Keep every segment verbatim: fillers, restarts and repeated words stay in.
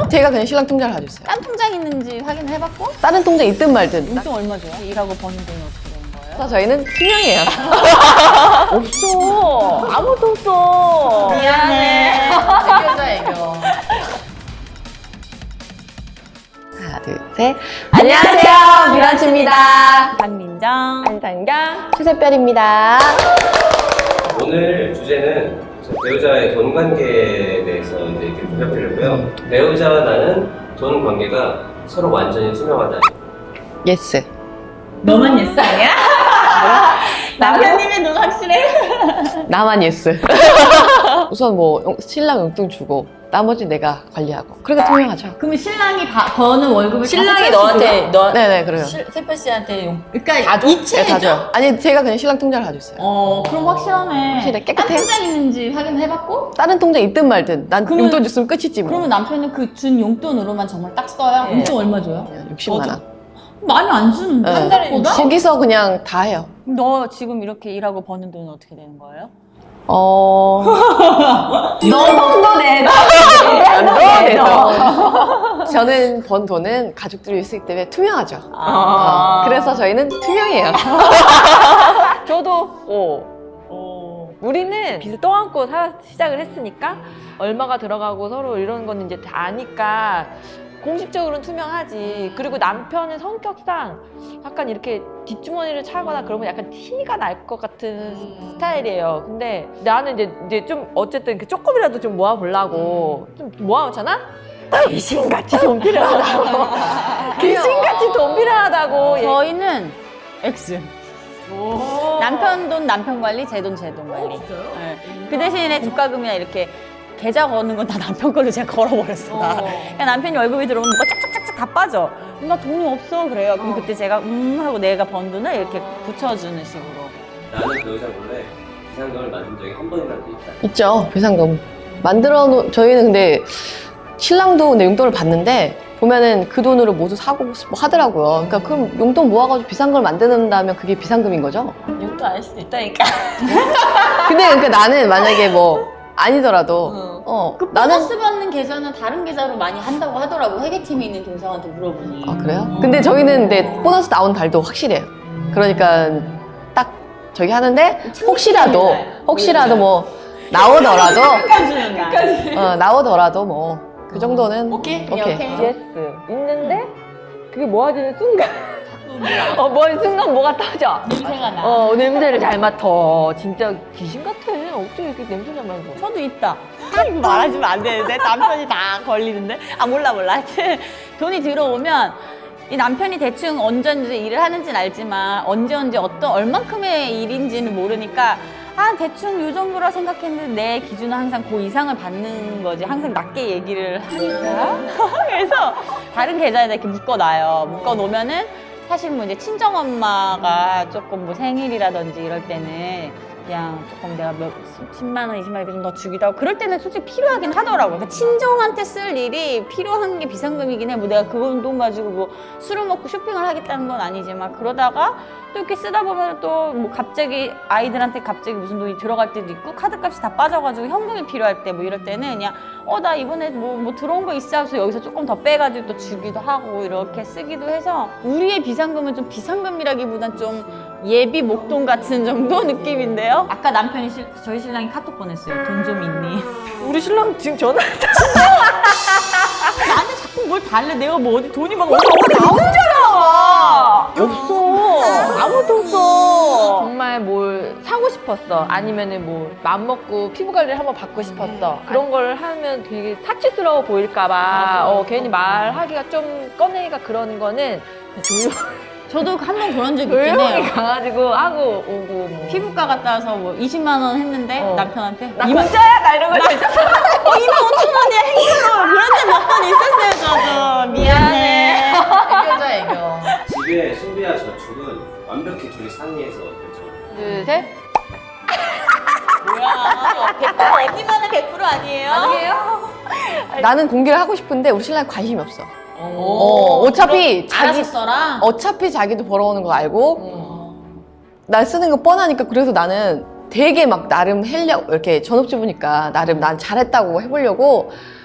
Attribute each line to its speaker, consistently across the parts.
Speaker 1: 제가 그냥 신랑 통장을 가지고 있어요.
Speaker 2: 딴 통장 있는지 확인을 해봤고?
Speaker 1: 다른 통장 있든 말든.
Speaker 2: 용돈 얼마 줘요? 일하고 버는 돈이 어떻게 되는 거예요?
Speaker 1: 그래서 저희는 투명해요.
Speaker 2: 없어. 아무도 없어. 미안해.
Speaker 1: 애교자 애교. 하나 둘 셋.
Speaker 2: 안녕하세요.
Speaker 1: 미란치입니다.
Speaker 2: 박민정.
Speaker 1: 안상경. 추세별입니다.
Speaker 3: 오늘 주제는 배우자의 돈 관계에 대해서 이제 이렇게 해보려고요. 배우자와 나는 돈 관계가 서로 완전히 투명하다.
Speaker 1: 예스.
Speaker 2: 너만 예스 아니야? 남편님의 눈 확실해?
Speaker 1: 나만 예스. 우선 뭐 용- 신랑 용돈 주고 나머지 내가 관리하고. 그러니까 투명하죠.
Speaker 2: 그러면 신랑이 바, 버는 월급을
Speaker 4: 신랑이
Speaker 2: 다
Speaker 4: 너한테 너
Speaker 1: 네네 그래요.
Speaker 4: 세표 씨한테 용
Speaker 2: 그러니까
Speaker 4: 다 줘?
Speaker 2: 이체죠?
Speaker 1: 네, 다 줘요. 아니 제가 그냥 신랑 통장을 가지고 있어요.
Speaker 2: 어, 그럼 확실하네.
Speaker 1: 확실해, 깨끗해요.
Speaker 2: 딴 통장 있는지 확인을 해봤고?
Speaker 1: 다른 통장 있든 말든 난
Speaker 2: 그러면-
Speaker 1: 용돈 줬으면 끝이지 뭐.
Speaker 2: 그러면 남편은 그 준 용돈으로만 정말 딱 써요?
Speaker 4: 네.
Speaker 2: 용돈 얼마 줘요?
Speaker 1: 그냥 육십만 원.
Speaker 2: 많이 안 주는데?
Speaker 1: 네.
Speaker 2: 한 달에 보다?
Speaker 1: 거기서 그냥 다 해요.
Speaker 4: 너 지금 이렇게 일하고 버는 돈은 어떻게 되는 거예요?
Speaker 1: 어.
Speaker 4: 너 돈도 내.
Speaker 1: 안 넣어내서. 저는 번 돈은 가족들이 있기 때문에 투명하죠.
Speaker 4: 아.
Speaker 1: 어, 그래서 저희는 투명해요.
Speaker 5: 저도 어. 우리는 빚을 떠안고 사, 시작을 했으니까 얼마가 들어가고 서로 이런 건 이제 다 아니까 공식적으로는 투명하지. 그리고 남편은 성격상 약간 이렇게 뒷주머니를 차거나 그러면 약간 티가 날 것 같은 스타일이에요. 근데 나는 이제, 이제 좀 어쨌든 그 조금이라도 좀 모아보려고 좀 모아놓잖아? 귀신같이 돈 필요하다고. 귀신같이 돈 필요하다고.
Speaker 2: 저희는 X. 남편 돈 남편 관리, 제 돈 제 돈 관리. 네. 그 대신에 주가금이나 이렇게 계좌 거는 건 다 남편 걸로 제가 걸어버렸어. 나. 그냥 남편이 월급이 들어오면 뭐가 짝짝짝짝 다 빠져. 나 돈이 없어 그래요. 그럼 그때 제가 음 하고 내가 번 돈을 이렇게 붙여주는 식으로.
Speaker 3: 나는 배우자 몰래 비상금을 만든 적이 한 번이라도 있다.
Speaker 1: 있죠. 비상금. 만들어 놓, 저희는 근데 신랑도 근데 용돈을 받는데 보면은 그 돈으로 모두 사고 뭐 하더라고요. 그러니까 그럼 용돈 모아가지고 비상금을 만든다면 그게 비상금인 거죠?
Speaker 4: 용돈 안 할 수도 있다니까.
Speaker 1: 근데 그러니까 나는 만약에 뭐 아니더라도 어
Speaker 2: 그
Speaker 1: 나는
Speaker 2: 보너스 받는 계좌는 다른 계좌로 많이 한다고 하더라고. 회계팀에 있는 교사한테 물어보니.
Speaker 1: 아 그래요? 근데 저희는 근데 보너스 나온 달도 확실해요. 그러니까 딱 저기 하는데 혹시라도 혹시라도 뭐 나오더라도
Speaker 2: 주는 날.
Speaker 1: 어, 나오더라도 뭐 그 정도는
Speaker 4: 오케이?
Speaker 1: 오케이.
Speaker 2: 오케이.
Speaker 5: 예스. 있는데 그게 모아지는 순간 어, 뭐 순간 뭐가 터져.
Speaker 2: 냄새가 나.
Speaker 5: 어, 냄새를 잘 맡아. 진짜 귀신 같아. 어떻게 이렇게 냄새 잘 맡아?
Speaker 2: 저도 있다. 아, 이거 말하시면 안 되는데 남편이 다 걸리는데. 아 몰라 몰라. 하여튼 돈이 들어오면 이 남편이 대충 언제 언제 일을 하는지는 알지만 언제 언제 어떤 얼만큼의 일인지는 모르니까 아 대충 요 정도라 생각했는데 내 기준은 항상 그 이상을 받는 거지. 항상 낮게 얘기를 하니까. 그래서 다른 계좌에다 이렇게 묶어놔요. 묶어놓으면은 사실 뭐 이제 친정엄마가 조금 뭐 생일이라든지 이럴 때는 그냥 조금 내가 몇 십만 원, 이십만 원 이렇게 좀 더 주기도 하고 그럴 때는 솔직히 필요하긴 하더라고요. 그러니까 친정한테 쓸 일이 필요한 게 비상금이긴 해. 뭐 내가 그 돈 가지고 뭐 술을 먹고 쇼핑을 하겠다는 건 아니지만 그러다가 또 이렇게 쓰다 보면 또 뭐 갑자기 아이들한테 갑자기 무슨 돈이 들어갈 때도 있고 카드값이 다 빠져가지고 현금이 필요할 때 뭐 이럴 때는 그냥 어 나 이번에 뭐, 뭐 들어온 거 있어 하면서 여기서 조금 더 빼가지고 또 주기도 하고 이렇게 쓰기도 해서 우리의 비상금은 좀 비상금이라기보단 좀 예비 목돈 같은 정도 느낌인데요. 아까 남편이 실, 저희 신랑이 카톡 보냈어요. 돈 좀 있니?
Speaker 5: 우리 신랑 지금 전화
Speaker 2: 나한테 자꾸 뭘 달래. 내가 뭐 어디 돈이 막 어디 어디 나오잖아.
Speaker 5: 없어. 아무도 없어. 정말 뭘 사고 싶었어. 아니면은 뭐 마음 먹고 피부 관리를 한번 받고 싶었어. 그런 걸 하면 되게 사치스러워 보일까봐 어, 괜히 말하기가 좀 꺼내기가 그런 거는 조용,
Speaker 2: 저도 한 번 그런 적 있긴
Speaker 5: 조용히
Speaker 2: 해요.
Speaker 5: 가가지고 하고 오고 뭐.
Speaker 2: 피부과 갔다 와서 뭐 이십만 원 했는데
Speaker 5: 어.
Speaker 2: 남편한테
Speaker 5: 나
Speaker 2: 이만-
Speaker 5: 공짜야? 나 이런 거 진짜.
Speaker 2: 어, 이만 오천 원이야 행사로 그런 적 몇 번 있었어요. 저도 미안해.
Speaker 1: 애교자 애교.
Speaker 3: 집의 소비와 저축은 완벽히 둘이 상의해서 결정.
Speaker 5: 둘, 셋.
Speaker 2: 뭐야 백 퍼센트 어디만은 백 퍼센트 아니에요?
Speaker 5: 아니에요?
Speaker 1: 나는 공개를 하고 싶은데 우리 신랑이 관심이 없어.
Speaker 2: 오,
Speaker 1: 어, 어차피 자기
Speaker 2: 알아서 써라.
Speaker 1: 어차피 자기도 벌어오는 거 알고
Speaker 2: 어.
Speaker 1: 나 쓰는 거 뻔하니까 그래서 나는 되게 막 나름 하려고 이렇게 전업주부니까 나름 난 잘했다고 해보려고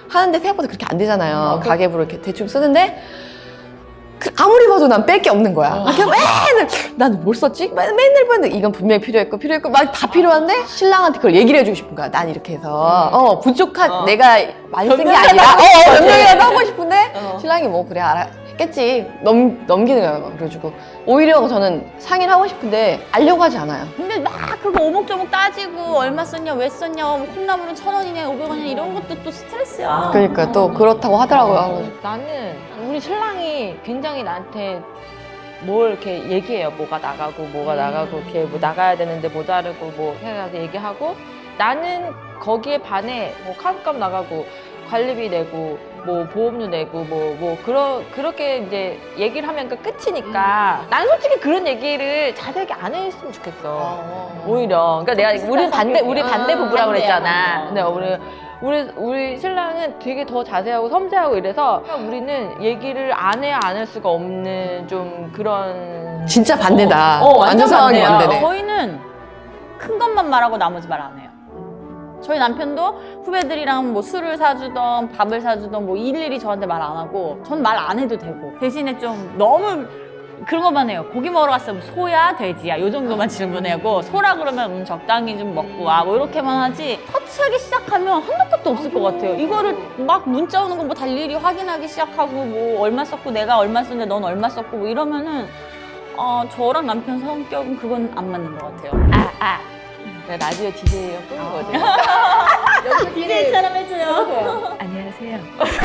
Speaker 1: 하는데 생각보다 그렇게 안 되잖아요.
Speaker 5: 어, 그-
Speaker 1: 가계부로 이렇게 대충 쓰는데 그 아무리 봐도 난 뺄 게 없는 거야.
Speaker 5: 어.
Speaker 1: 그냥 맨날 난 뭘 썼지? 맨- 맨날 봤는데 이건 분명히 필요했고 필요했고 막 다 필요한데 신랑한테 그걸 얘기를 해주고 싶은 거야. 난 이렇게 해서 어 부족한
Speaker 5: 어.
Speaker 1: 내가 많이 쓴 게
Speaker 5: 변명이라도
Speaker 1: 아니라
Speaker 5: 하고
Speaker 1: 어
Speaker 5: 싶지.
Speaker 1: 변명이라도 하고 싶은데
Speaker 5: 어.
Speaker 1: 신랑이 뭐 그래 알아 했겠지 넘 넘기는 거야. 막 그래가지고 오히려 저는 상의를 하고 싶은데 알려고 하지 않아요.
Speaker 2: 근데 막 그거 오목조목 따지고 얼마 썼냐 왜 썼냐 뭐 콩나물은 천 원이냐 오백 원이냐 이런 것도 또 스트레스야.
Speaker 1: 그러니까 또 그렇다고 하더라고요.
Speaker 5: 나는 우리 신랑이 굉장히 나한테 뭘 이렇게 얘기해요. 뭐가 나가고 뭐가
Speaker 2: 음.
Speaker 5: 나가고 이렇게 뭐 나가야 되는데 모자르고 뭐 해가지고 얘기하고 나는 거기에 반해 뭐 카드값 나가고 관리비 내고 뭐 보험료 내고 뭐 뭐 그러 그렇게 이제 얘기를 하면 그 끝이니까 난 솔직히 그런 얘기를 자세하게 안 했으면 좋겠어. 오히려 그러니까 내가 우리 반대 우리 반대 부부라고
Speaker 2: 반대야,
Speaker 5: 그랬잖아.
Speaker 2: 반대.
Speaker 5: 근데 우리 우리 우리 신랑은 되게 더 자세하고 섬세하고 이래서 우리는 얘기를 안 해야 안 할 수가 없는 좀 그런
Speaker 1: 진짜 반대다.
Speaker 5: 어, 어,
Speaker 1: 완전
Speaker 5: 완전
Speaker 1: 상황이
Speaker 5: 반대야.
Speaker 1: 반대네.
Speaker 2: 저희는 큰 것만 말하고 나머지 말 안 해요. 저희 남편도 후배들이랑 뭐 술을 사주던 밥을 사주던 뭐 일일이 저한테 말 안 하고 전 말 안 해도 되고 대신에 좀 너무 그런 것만 해요. 고기 먹으러 갔으면 소야 돼지야 요 정도만 질문하고 소라 그러면 음, 적당히 좀 먹고 와 뭐 이렇게만 하지 터치하기 시작하면 한도 끝도 없을 것 같아요. 이거를 막 문자 오는 거 뭐 다 일일이 확인하기 시작하고 뭐 얼마 썼고 내가 얼마 썼는데 넌 얼마 썼고 뭐 이러면은 어, 저랑 남편 성격은 그건 안 맞는 것 같아요.
Speaker 5: 아, 아. 내가 라디오 디제이가 꿈이거든.
Speaker 2: 디제이처럼 해줘요.
Speaker 5: 안녕하세요.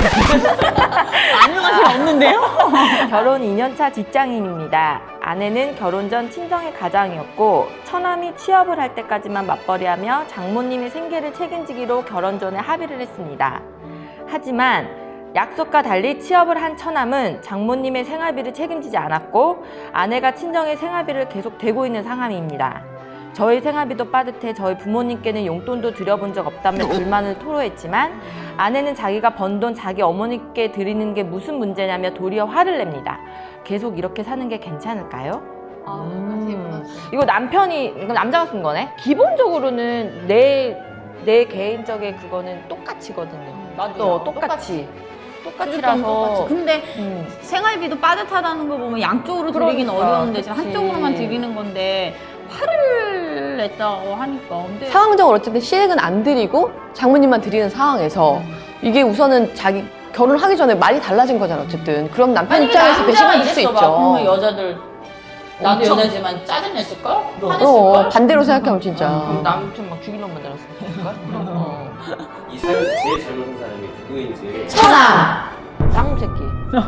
Speaker 2: 안녕하세요 없는데요?
Speaker 5: 결혼 이 년 차 직장인입니다. 아내는 결혼 전 친정의 가장이었고 처남이 취업을 할 때까지만 맞벌이하며 장모님의 생계를 책임지기로 결혼 전에 합의를 했습니다. 하지만 약속과 달리 취업을 한 처남은 장모님의 생활비를 책임지지 않았고 아내가 친정의 생활비를 계속 대고 있는 상황입니다. 저희 생활비도 빠듯해 저희 부모님께는 용돈도 드려본 적 없다며 불만을 토로했지만 아내는 자기가 번 돈 자기 어머니께 드리는 게 무슨 문제냐며 도리어 화를 냅니다. 계속 이렇게 사는 게 괜찮을까요? 음, 이거 남편이, 이거 남자가 쓴 거네? 기본적으로는 내, 내 개인적인 그거는 똑같이거든요.
Speaker 2: 나도
Speaker 5: 어, 똑같이. 똑같이라서.
Speaker 2: 똑같이. 근데
Speaker 5: 음.
Speaker 2: 생활비도 빠듯하다는 거 보면 양쪽으로 드리긴
Speaker 5: 그러니까,
Speaker 2: 어려운데 지금
Speaker 5: 그치.
Speaker 2: 한쪽으로만 드리는 건데 화를 냈다고 하니까 근데
Speaker 1: 상황적으로 어쨌든 시댁은 안 드리고 장모님만 드리는 상황에서 이게 우선은 자기 결혼하기 전에 말이 달라진 거잖아 어쨌든. 그럼 남편 입장에서 배신감일 수 있죠.
Speaker 2: 그러면 여자들 나도
Speaker 5: 엄청-
Speaker 2: 여자지만 짜증냈을걸?
Speaker 1: 어,
Speaker 2: 화냈을걸?
Speaker 1: 반대로 생각하면 진짜.
Speaker 5: 그럼 남편 막 죽이려고 만들었을까? 어.
Speaker 3: 이 사람에서 제일 젊은 사람이 누구인지
Speaker 1: 천아!
Speaker 5: 쌍놈 새끼.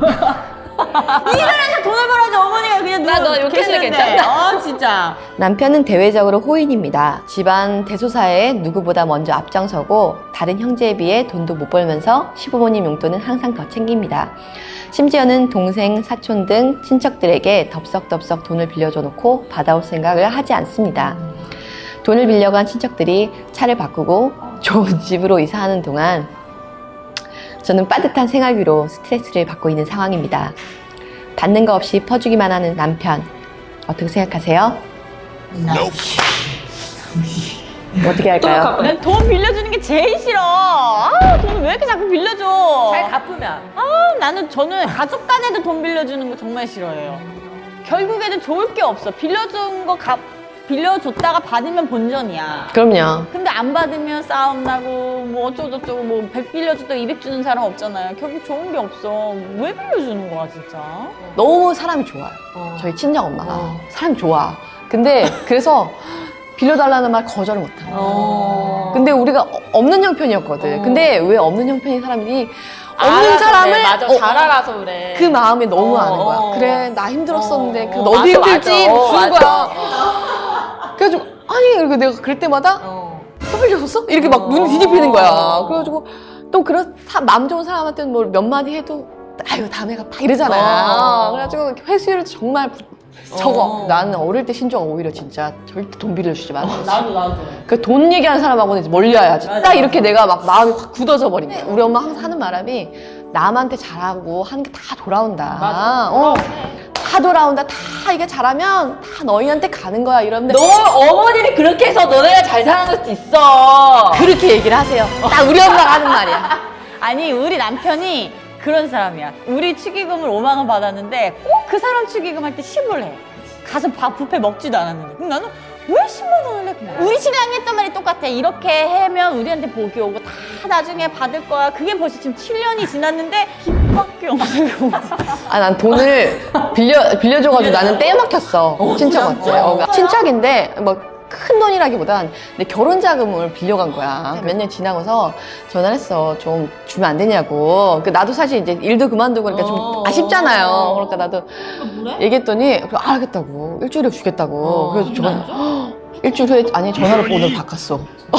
Speaker 2: 돈을 벌어야지 어머니가 그냥
Speaker 5: 나
Speaker 2: 누워
Speaker 5: 너 욕해도
Speaker 2: 계시는데.
Speaker 5: 괜찮다.
Speaker 2: 어 진짜
Speaker 1: 남편은 대외적으로 호인입니다. 집안 대소사에 누구보다 먼저 앞장서고 다른 형제에 비해 돈도 못 벌면서 시부모님 용돈은 항상 더 챙깁니다. 심지어는 동생, 사촌 등 친척들에게 덥석덥석 돈을 빌려줘 놓고 받아올 생각을 하지 않습니다. 돈을 빌려간 친척들이 차를 바꾸고 좋은 집으로 이사하는 동안 저는 빠듯한 생활비로 스트레스를 받고 있는 상황입니다. 받는 거 없이 퍼주기만 하는 남편 어떻게 생각하세요? 어떻게 할까요?
Speaker 2: 난 돈 빌려주는 게 제일 싫어. 아, 돈을 왜 이렇게 자꾸 빌려줘?
Speaker 5: 잘 갚으면.
Speaker 2: 아, 나는 저는 가족 간에도 돈 빌려주는 거 정말 싫어해요. 결국에는 좋을 게 없어. 빌려준 거 갚, 빌려줬다가 받으면 본전이야.
Speaker 1: 그럼요.
Speaker 2: 근데 안 받으면 싸움 나고 뭐 어쩌고저쩌고 뭐 백 빌려줬다고 이백 주는 사람 없잖아요. 결국 좋은 게 없어. 왜 빌려주는 거야 진짜?
Speaker 1: 너무 사람이 좋아요.
Speaker 5: 어.
Speaker 1: 저희 친정 엄마가
Speaker 5: 어.
Speaker 1: 사람이 좋아. 근데 그래서 빌려달라는 말 거절을 못해.
Speaker 5: 어.
Speaker 1: 근데 우리가 어- 없는 형편이었거든.
Speaker 5: 어.
Speaker 1: 근데 왜 없는 형편인 사람이 없는
Speaker 5: 알아서
Speaker 1: 사람을
Speaker 5: 그래. 맞아.
Speaker 1: 어,
Speaker 5: 잘 알아서 그래.
Speaker 1: 그 마음이 너무
Speaker 5: 어,
Speaker 1: 아는 거야.
Speaker 5: 어.
Speaker 1: 그래 나 힘들었었는데
Speaker 5: 어,
Speaker 1: 그
Speaker 5: 어,
Speaker 1: 너도
Speaker 5: 맞아,
Speaker 1: 힘들지
Speaker 5: 맞아.
Speaker 1: 무슨
Speaker 5: 어,
Speaker 1: 거야.
Speaker 5: 맞아.
Speaker 1: 그래가지고 아니 그리고 내가 그럴 때마다
Speaker 5: 어.
Speaker 1: 또 빌려줬어? 이렇게 막
Speaker 5: 어.
Speaker 1: 눈이 뒤집히는 거야. 그래가지고 또 그런 사- 마음 좋은 사람한테는 뭐 몇 마디 해도 아유 다음에 갚아 이러잖아.
Speaker 5: 어.
Speaker 1: 그래가지고 회수율 정말 부- 적어.
Speaker 5: 어.
Speaker 1: 나는 어릴 때 신조가 오히려 진짜 절대 돈 빌려주지 마.
Speaker 2: 나도 나도.
Speaker 1: 그 돈 얘기하는 사람하고는 이제 멀려야지.
Speaker 2: 맞아,
Speaker 1: 딱
Speaker 2: 맞아.
Speaker 1: 이렇게 내가 막 마음이 확 굳어져 버린다. 우리 엄마 항상 하는 말함이 남한테 잘하고 하는 게 다 돌아온다.
Speaker 5: 맞아.
Speaker 1: 어, 다 돌아온다. 다 이게 잘하면 다 너희한테 가는 거야. 이런데
Speaker 5: 너 어머님이 그렇게 해서 너네가 잘 사는 걸 수도 있어.
Speaker 1: 그렇게 얘기를 하세요. 딱 우리 엄마가 하는 말이야.
Speaker 2: 아니 우리 남편이 그런 사람이야. 우리 축의금을 오만 원 받았는데 꼭 그 사람 축의금 할 때 십을 해. 가서 밥 뷔페 먹지도 않았는데. 그럼 나는 왜 십만 원을 내? 우리 신랑이 했던 말이 똑같아. 이렇게 하면 우리한테 복이 오고 다 나중에 받을 거야. 그게 벌써 지금 칠 년이 지났는데 빚밖에 없는 거지.
Speaker 1: 아, 난 돈을 빌려, 빌려줘가지고 나는 떼어 막혔어. 친척한테. 어, 친척인데, 뭐, 큰 돈이라기보단 내 결혼 자금을 빌려간 거야. 몇 년 지나고서 전화를 했어. 좀 주면 안 되냐고. 그 나도 사실 이제 일도 그만두고 그러니까 좀
Speaker 2: 어.
Speaker 1: 아쉽잖아요. 그러니까 나도
Speaker 2: 뭐래?
Speaker 1: 얘기했더니, 그래, 알겠다고. 일주일에 주겠다고.
Speaker 2: 어,
Speaker 1: 그래서
Speaker 2: 근데 안
Speaker 1: 저번, 헉, 일주일 후에, 아니, 전화로 번호를 바꿨어.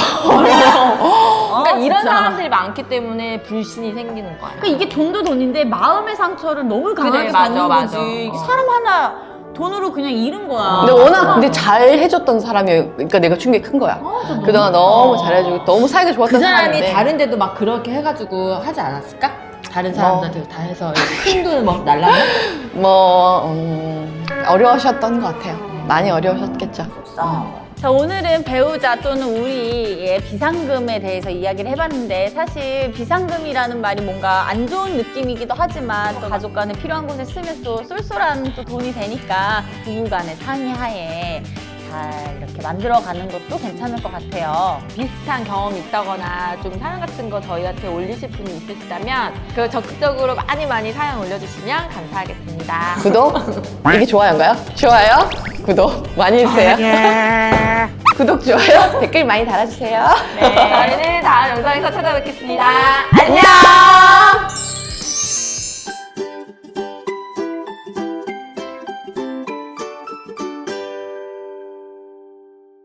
Speaker 5: 그러니까 이런
Speaker 2: 진짜.
Speaker 5: 사람들이 많기 때문에 불신이 생기는 거야.
Speaker 2: 그러니까 이게 돈도 돈인데 마음의 상처를 너무 강하게
Speaker 5: 그래, 맞아,
Speaker 2: 받는
Speaker 5: 맞아.
Speaker 2: 거지. 이게
Speaker 5: 어.
Speaker 2: 사람 하나 돈으로 그냥 잃은 거야.
Speaker 1: 근데 워낙 근데 잘 해줬던 사람이, 그러니까 내가 충격이 큰 거야. 그동안 너무 잘해주고, 너무 사이가 좋았던
Speaker 5: 그 사람이
Speaker 1: 사람인데.
Speaker 5: 다른 데도 막 그렇게 해가지고 하지 않았을까? 다른 사람들한테 다 해서 큰 돈을 막 날라면?
Speaker 1: 뭐 음, 어려우셨던 것 같아요. 많이 어려우셨겠죠.
Speaker 2: 자, 오늘은 배우자 또는 우리의 비상금에 대해서 이야기를 해봤는데 사실 비상금이라는 말이 뭔가 안 좋은 느낌이기도 하지만 또 가족 간에 필요한 곳에 쓰면 또 쏠쏠한 또 돈이 되니까 부부 간의 상의하에 잘 이렇게 만들어가는 것도 괜찮을 것 같아요.
Speaker 5: 비슷한 경험이 있다거나 좀 사연 같은 거 저희한테 올리실 분이 있으시다면 그 적극적으로 많이 많이 사연 올려주시면 감사하겠습니다.
Speaker 1: 구독? 이게 좋아요인가요? 좋아요? 구독 많이 해주세요. 구독, 좋아요, 댓글 많이 달아주세요.
Speaker 5: 네, 저희는 다음 영상에서 찾아뵙겠습니다.
Speaker 1: 안녕!